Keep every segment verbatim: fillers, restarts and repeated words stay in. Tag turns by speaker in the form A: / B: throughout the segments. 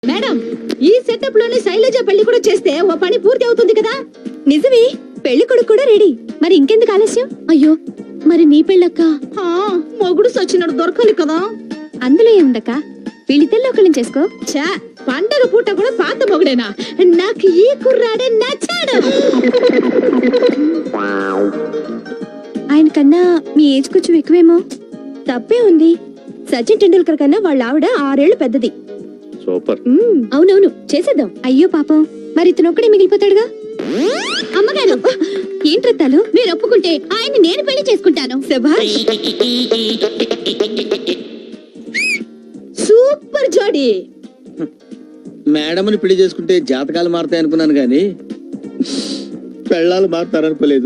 A: Madam, ఈ setup లోనే శైలజ పెళ్లి కూడా చేస్తే ఓ పని పూర్తి అవుతుంది కదా.
B: నిజమే, పెళ్లి కొడుకు కూడా రెడీ. మరి ఇంకెందుకు ఆలస్యం? అయ్యో, మరి నీ పెళ్ళక్క?
A: ఆ, మొగుడు సచ్చినడు దొరకాలి కదా.
B: అందులో ఏముందక్క, వీళ్ళిద్దరిలో ఒకళ్ళని చేసుకో.
A: చా, పండగ పూట కూడా పాత మొగుడేనా? నాకు ఈ కుర్రాడే నచ్చాడు.
B: ఆయన కన్నా మీ ఏజ్ కొంచెం ఎక్కువేమో. తప్పే ఉంది, సచిన్ టెండూల్కర్ కన్నా వాళ్ళ ఆవిడ ఆరేళ్లు పెద్దది.
C: సూపర్.
B: అవునవును, చేసేద్దాం. అయ్యో పాపం, మరి ఇతను ఒక్కడే మిగిలిపోతాడుగా.
A: అమ్మగారు,
B: ఏంట్రత్తాలు?
A: మీరు ఒప్పుకుంటే ఆయన్ని నేను పెళ్లి చేసుకుంటాను.
B: శభాష్,
A: సూపర్ జోడి.
D: మేడంని పెళ్లి చేసుకుంటే జాతకాలు మారుతాయి అనుకున్నాను గాని పెళ్ళాలు మారుతారనుకోలేదు.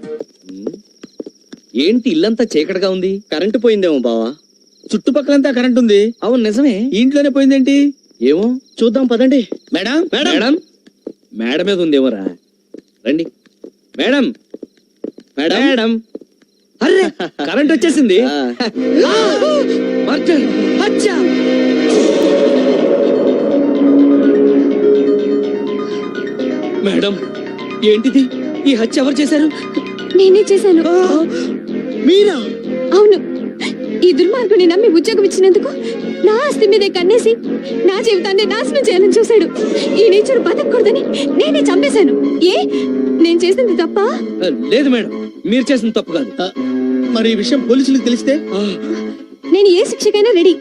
E: ఏంటి ఇల్లంతా చీకటిగా ఉంది?
D: కరెంటు పోయిందేమో బావా. చుట్టుపక్కలంతా కరెంట్ ఉంది.
E: అవును నిజమే.
D: ఈ ఇంట్లోనే పోయిందేంటి?
E: ఏమో
D: చూద్దాం పదండి. మేడం
E: మేడం, మేడం మీద ఉందేమోరా. రండి మేడం.
D: మేడం
E: మేడం, అరే కరెంట్ వచ్చేసింది.
D: ఆ,
E: ఆ! మర్డర్! హత్య! మేడం, ఏంటిది? ఈ హత్య ఎవరు చేశారు?
B: నేనే చేశాను.
D: మీరా?
B: అవును, ఈ దుర్మార్గుని నమ్మి ఉద్యోగం ఇచ్చినందుకు నా ఆస్తి మీదే కన్నేసి నా జీవితాన్ని నాశనం చేయాలని చూశాడు. ఈ నేచర్ బతకూడదని నేనే చంపేశాను. ఏ, నేను చేసింది తప్ప?
E: లేదు మేడం, మీరు చేసిన తప్పు కాదు.
D: ఆ, మరి ఈ విషయం పోలీసులకు తెలిస్తే?
E: ఆ,
B: నేను ఏ శిక్షకైనా రెడీ.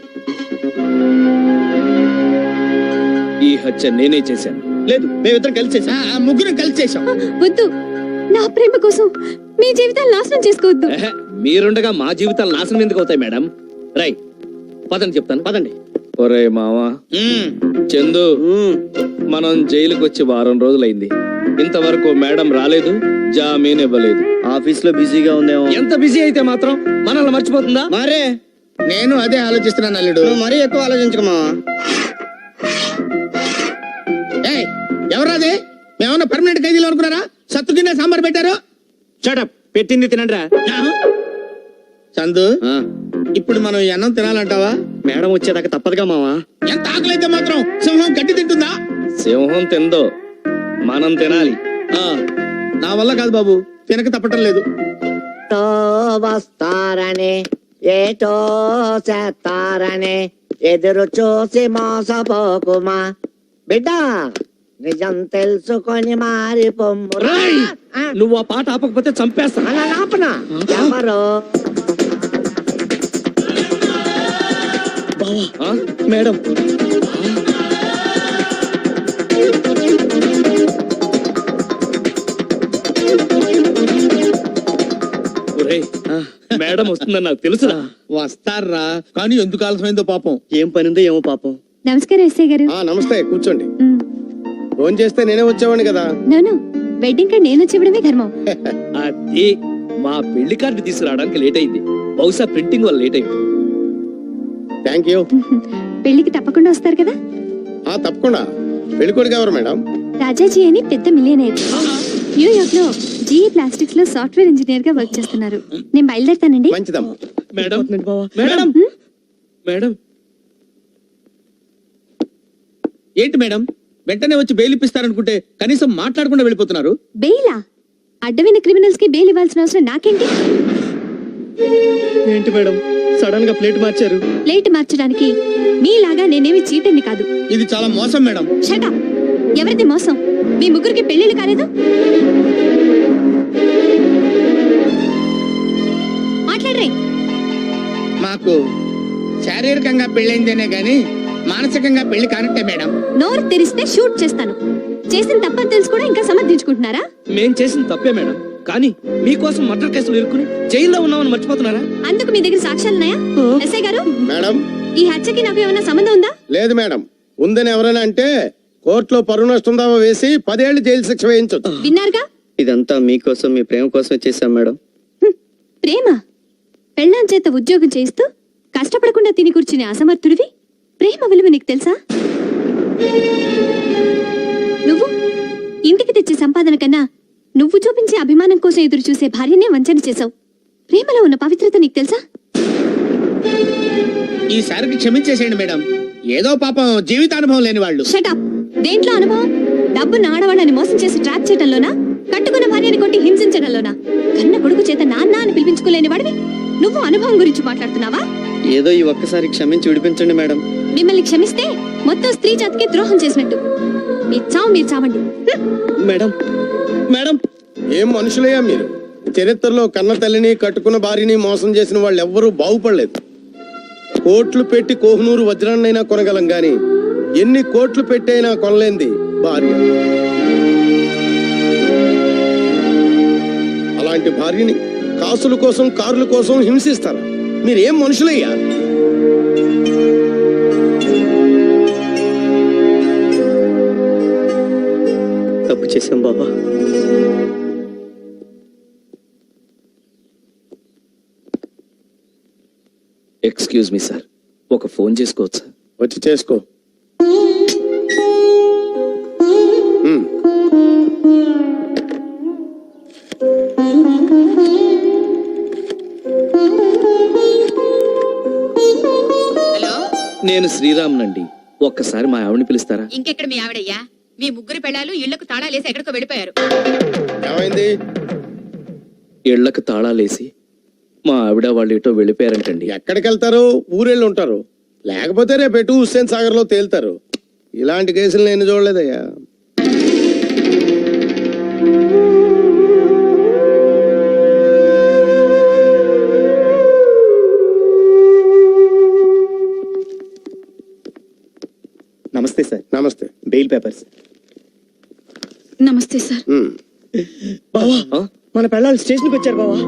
E: ఈ హత్య నేనే చేశాను.
D: లేదు, మేమిద్దరం కలిసి చేసాం. ఆ, ముగ్గురం కలిసి చేసాం.
B: వద్దు, నా ప్రేమ కోసం మీ జీవితాలు నాశనం చేసుకోవద్దు.
E: ఎహె, మీరుండగా మా జీవితాలు నాశనం ఎందుకు అవుతాయి మేడం? రై పదండి, చెప్తాను పదండి. ఒరే మావా, చందు, మనం జైలుకి వచ్చి వారం రోజులైంది. ఇంతవరకు మేడం రాలేదు, జామీన్ ఇవ్వలేదు.
D: ఆఫీస్ లో బిజీగా ఉందేమో.
E: ఎంత బిజీ అయితే మాత్రం మనల్ని మర్చిపోతుందా?
D: మరే నేను అదే ఆలోచిస్తున్నాను అల్లుడు. మరీ ఎక్కువ ఆలోచించకమా. ఎవరాదే? మేమన్నా పర్మనెంట్ ఖైదీలు అనుకున్నారా? సత్తు కింద సాంబార్ పెట్టారు.
E: షటప్, పెట్టింది తినండిరా.
D: చందు, ఇప్పుడు మనం ఈ అన్నం తినాలంటావా?
E: మేడం వచ్చేదాకా తప్పదుగా మావా.
D: ఎంత ఆకలైతే మాత్రం సింహం గడ్డి తింటుందా?
E: సింహం తిందో, మనం తినాలి.
D: ఆ, నా వల్ల కాదు బాబు, తినక తప్పటం లేదు.
F: తో వస్తారని ఏటో చేస్తారని ఎదురు చూసి మోసపోకుమా బిడ్డ, నిజం తెలుసుకొని మారి పొమ్ము.
E: రేయ్! నువ్వు ఆ పాట ఆపకపోతే చంపేస్తా.
F: అలా నాపనా? ఎవరో
E: ఆ? మేడం, ఒరేయ్, మేడం వస్తుందని నాకు తెలుసురా.
D: వస్తారా, కానీ ఎందుకు ఆలస్యమైందో పాపం.
E: ఏం పనిందో ఏమో పాపం.
B: నమస్కారం ఎస్ఐ గారు.
G: ఆ నమస్తే, కూర్చోండి.
B: మ్,
G: ఫోన్ చేస్తే నేనే వచ్చేవాడిని కదా.
B: నోను, వెడ్డింగ్ కార్డ్ నేను వచ్చి ఇవ్వడమే ధర్మం.
E: అది మా పెళ్లి కార్డు తీసుకురావడానికి లేట్ అయింది. బహుశా ప్రింటింగ్ వల్ల లేట్ అయింది.
G: Thank you.
B: పెళ్లికి తప్పకుండా వస్తారు కదా.
G: ఆ తప్పకుండా. పెళ్ళికొడుకు ఎవరు మేడం?
B: రాజాజీ అని పెద్ద మిలియనర్. న్యూయార్క్ లో జీఈ ప్లాస్టిక్స్ లో సాఫ్ట్వేర్ ఇంజనీర్ గా వర్క్ చేస్తున్నారు. నేను బయలుదేరుతానండి.
G: మంచిదమ్మా.
E: మేడం, మేడం, మేడం,
D: ఏంటి మేడం, వెంటనే వచ్చి బెయిల్ ఇప్పిస్తారనుకుంటే కనీసం మాట్లాడకుండా వెళ్ళిపోతున్నారు.
B: బెయిలా? అడ్డమైన క్రిమినల్స్ కి బెయిల్ ఇవ్వాల్సిన అవసరం నాకేంటి?
E: ఏంటి మేడం సడన్ గా ప్లేట్ మార్చారు?
B: ప్లేట్ మార్చడానికి మీలాగా నేనేమి చీటర్ని కాదు.
D: ఇది చాలా మోసం మేడం.
B: షటప్! ఎవరిది మోసం? మీ ముగ్గురికి పెళ్లిళ్ళు కాలేదు? మాట్లాడరే.
D: మాకు శారీరకంగా పెళ్ళైందేనే గాని మానసికంగా పెళ్లి కానట్టే మేడం.
B: నోరు తెరిస్తే షూట్ చేస్తాను. చేసిన తప్పని తెలుసు కూడా ఇంకా సమర్థించుకుంటున్నారా?
E: మేం చేసిన తప్పే మేడం, కానీ మీకోసం మర్డర్ కేసులు ఇరుక్కుని జైల్లో ఉన్నామని మర్చిపోతున్నారా?
B: అందుకు మీ దగ్గర సాక్ష్యాలున్నాయా? ఎస్ఐ గారు,
G: మేడం
B: ఈ హత్యకి నాకు ఏమైనా సంబంధం ఉందా?
G: లేదు మేడం. ఉందని ఎవరైనా అంటే కోర్టులో పరువు నష్టం దావా వేసి పదేళ్లు జైలు శిక్ష వేయించొచ్చు.
B: విన్నారుగా?
D: ఇదంతా మీకోసం, మీ ప్రేమ కోసం చేశాం మేడం.
B: హ్మ్. ప్రేమ? పెళ్ళాం చేత ఉద్యోగం చేయిస్తూ కష్టపడకుండా తిని కూర్చునే అసమర్థుడివి ప్రేమ విలువ నీకు తెలుసా? నువ్వు ఇంటికి తెచ్చే సంపాదన కన్నా నువ్వు చూపించే అభిమానం కోసం ఎదురు చూసే భార్యనే వంచన చేశావు. ప్రేమలో ఉన్న పవిత్రత నీకు తెలుసా?
D: ఈసారికి క్షమించేసేయండి మేడం. ఏదో పాపం జీవితానుభవం లేని వాళ్ళు.
B: షటప్. దేంట్లో అనుభవం? డబ్బున్న ఆడవాళ్ళని మోసం చేసి ట్రాప్ చేయడంలోనా, కట్టుకున్న భార్యని కొట్టి హింసించడంలోనా? కన్న కొడుకు చేత నాన్న అని పిలిపించుకోలేని వాడివి నువ్వు అనుభవం గురించి మాట్లాడుతున్నావా?
C: ఏదో ఈ ఒక్కసారి క్షమించి విడిపించండి మేడం.
B: మిమ్మల్ని క్షమిస్తే మొత్తం స్త్రీ జాతికి ద్రోహం చేసినట్టు. మీ చావు మీరు చావండి.
C: మేడం మేడం
G: ఏం మనుషులయ్యా మీరు? చరిత్రలో కన్న తల్లిని కట్టుకున్న భార్యని మోసం చేసిన వాళ్ళు ఎవ్వరూ బాగుపడలేదు. కోట్లు పెట్టి కోహినూరు వజ్రాన్నైనా కొనగలం గాని ఎన్ని కోట్లు పెట్టైనా కొనలేంది భార్య. అలాంటి భార్యని కాసుల కోసం కారుల కోసం హింసిస్తారా? మీరేం మనుషులయ్యా?
C: తప్పు చేశాం బాబా.
E: ఎక్స్క్యూజ్ మీ సార్, ఒక ఫోన్ చేసుకోవచ్చా?
G: వచ్చి చేసుకో. ఉమ్.
H: హలో,
E: నేను శ్రీరామ్నండి. ఒక్కసారి మా ఆవిడని పిలుస్తారా?
H: ఇంకెక్కడ మీ ఆవిడయ్యా? మీ ముగ్గురు పెళ్ళాలు ఇళ్లకు తాళాలేసి ఎక్కడికో వెళ్ళిపోయారు.
G: ఏమైంది?
E: ఇళ్లకు తాళాలేసి మా ఆవిడ వాళ్ళు ఇటో వెళ్ళిపోయారంటండి.
G: ఎక్కడికి వెళ్తారు? ఊరెళ్ళి ఉంటారు. లేకపోతే రేపు ఎటు హుస్సేన్ సాగర్ లో తేలుతారు. ఇలాంటి కేసులు నేను చూడలేదయ్యా.
C: నమస్తే సార్.
G: నమస్తే.
C: Bail papers.
B: నమస్తే సార్.
G: ఉమ్.
C: బావా
E: ఆ?
C: మన పెళ్ళాలు స్టేషన్కి వచ్చారు బావా.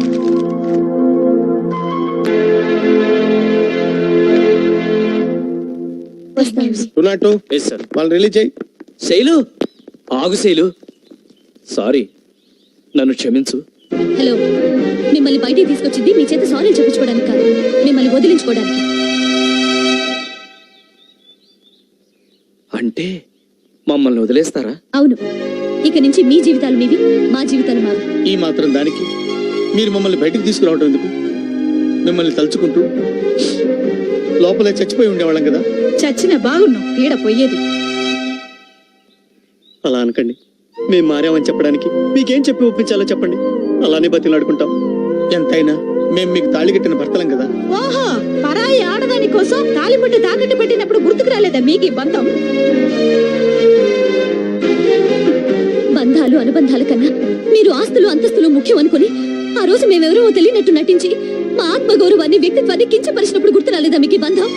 G: Two not two
E: yes sir.
G: వాళ్ళు రిలీజ్ చేయి.
E: శైలు, ఆగు శైలు. సారీ, నన్ను క్షమించు.
B: హలో, మిమ్మల్ని బయటికి తీసుకొచ్చింది మీ చేత సారీ చెప్పించుకోవడానికి కాదు, మిమ్మల్ని వదిలించుకోవడానికి.
E: అంటే మమ్మల్ని వదిలేస్తారా?
B: అవును, ఇక నుంచి మీ జీవితాలు మీవి, మా జీవితాలు మావి.
D: ఈ మాత్రం దానికి మీరు మమ్మల్ని బయటికి తీసుకురావడం ఎందుకు? మిమ్మల్ని తలుచుకుంటూ లోపలే చచ్చిపోయి ఉండేవాళ్ళం కదా.
A: చచ్చిన బాగున్నావు, పీడ పోయేది.
C: అలా అనకండి. మేము మారామని చెప్పడానికి మీకేం చెప్పి ఒప్పించాలో చెప్పండి. అలానే బతిలాడుకుంటాం.
D: ఎంతైనా మేము మీకు తాళి కట్టిన భర్తలం కదా.
A: ఓహో, పరాయి ఆడదాని కోసం తాలిబొట్టు తాకట్టు పెట్టినప్పుడు గుర్తుకు రాలేదా మీకు ఈ బంధం?
B: బంధాలు అనుబంధాల కన్నా మీరు ఆస్తులు అంతస్తులు ముఖ్యం అనుకుని ఆ రోజు మేమెవరో తెలియనట్టు నటించి మా ఆత్మగౌరవాన్ని వ్యక్తిత్వాన్ని కించపరిచినప్పుడు గుర్తు రాలేదా మీకు ఈ బంధం?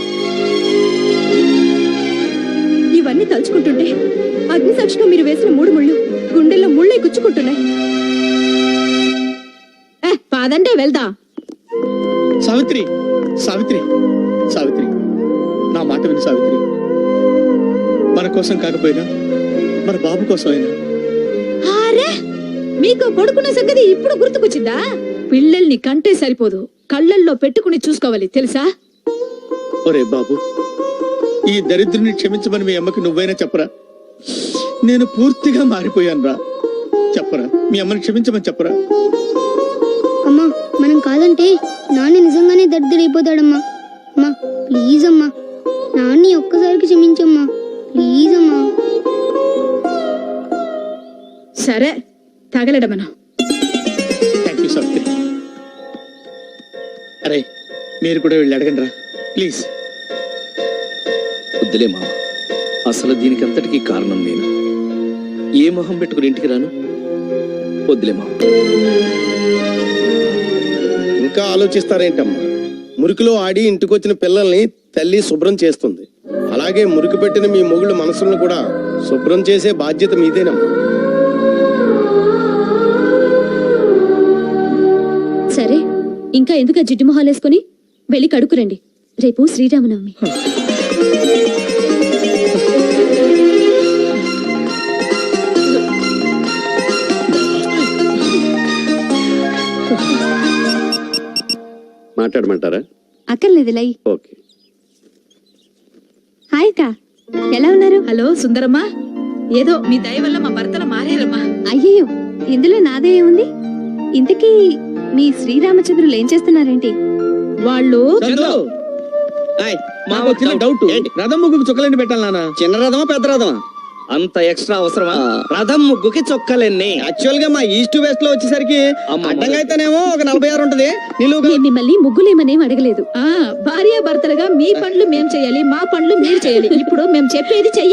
A: ఇవన్నీ తలుచుకుంటుంటే అగ్నిసాక్షిగా మీరు వేసిన మూడు ముళ్ళు గుండెల్లో ముళ్ళై గుచ్చుకుంటున్నాయి. ఏ, పాదంటే వెళ్దా.
D: సావిత్రి, సావిత్రి, సావిత్రి, నా మాట విని సావిత్రి. మన కోసం కాకపోయినా మన బాబు కోసమైనా.
A: అరే, మీకు కొడుకున్న సంగతి ఇప్పుడు గుర్తుకొచ్చిందా? పిల్లల్ని కంటే సరిపోదు, కళ్ళల్లో పెట్టుకుని చూసుకోవాలి తెలుసా?
D: ఒరే బాబు, ఈ దరిద్రుని క్షమించమని మీ అమ్మకి నువ్వైనా చెప్పరా? నేను పూర్తిగా మారిపోయాను రా. చెప్పరా, మీ అమ్మని క్షమించమని చెప్పరా?
I: అమ్మా, మనం కాదంటే నాన్న నిజంగానే దరిద్రైపోతాడమ్మా. అమ్మా ప్లీజ్ అమ్మా, నాన్ని ఒక్కసారికి క్షమించమ్మా ప్లీజ్ అమ్మా.
A: సరే, తగలడమను.
D: Thank you Savitri. అరే, మీరు కూడా వెళ్ళి అడగండి రా ప్లీజ్.
E: వద్దులే మామ, అసలు దీనికి అంతటికీ కారణం నేను. ఏ మొహం పెట్టుకుని ఇంటికి రాను? వద్దులే మామ.
G: ఇంకా ఆలోచిస్తారేంటమ్మా? మురికిలో ఆడి ఇంటికొచ్చిన పిల్లల్ని తల్లి శుభ్రం చేస్తుంది. అలాగే మురికి పెట్టిన మీ మొగుళ్ళ మనసులను కూడా శుభ్రం చేసే బాధ్యత మీదేనమ్మా.
B: సరే, ఇంకా ఎందుకు ఆ జిడ్డు మొహాలేసుకుని వెళ్ళి కడుకురండి, రేపు శ్రీరామనవమి.
J: మాట్లాడమంటారా?
B: అక్కర్లేదు లై.
J: ఓకే.
B: హాయ్ అక్క, ఎలా ఉన్నారు?
A: హలో సుందరమ్మా, ఏదో మీ దయ వల్ల మా భర్తలు మారారమ్మా.
B: అయ్యయ్యో, ఇందులో నాదే ఏముంది? ఇంతకీ మీ శ్రీరామచంద్రులు ఏం చేస్తున్నారేంటి?
A: వాళ్ళు
D: చందు, హాయ్. మాకు చిన్న డౌట్ రథం ముగ్గుకు చుక్కలండి పెట్టాలి నాన్న
C: చిన్న రథమా పెద్ద రథమా?
E: అంత ఎక్స్ట్రా అవసరమా? రథం ముగ్గుకి చొక్కలెన్ని?
C: యాక్చువల్ గా మా ఈస్ట్ వెస్ట్ లో వచ్చేసరికి
E: అమ్మ.
C: అడ్డంగా అయితేనేమో ఒక నలభై ఆరు ఉంటది, నిలువుగా
B: మేము మిమ్మల్ని ముగ్గులేమనేం అడగలేదు.
A: ఆ భార్యాభర్తలుగా మీ పనులు మేం చేయాలి, మా పనులు మీరు చేయాలి. ఇప్పుడు మేము చెప్పేది చెయ్యి.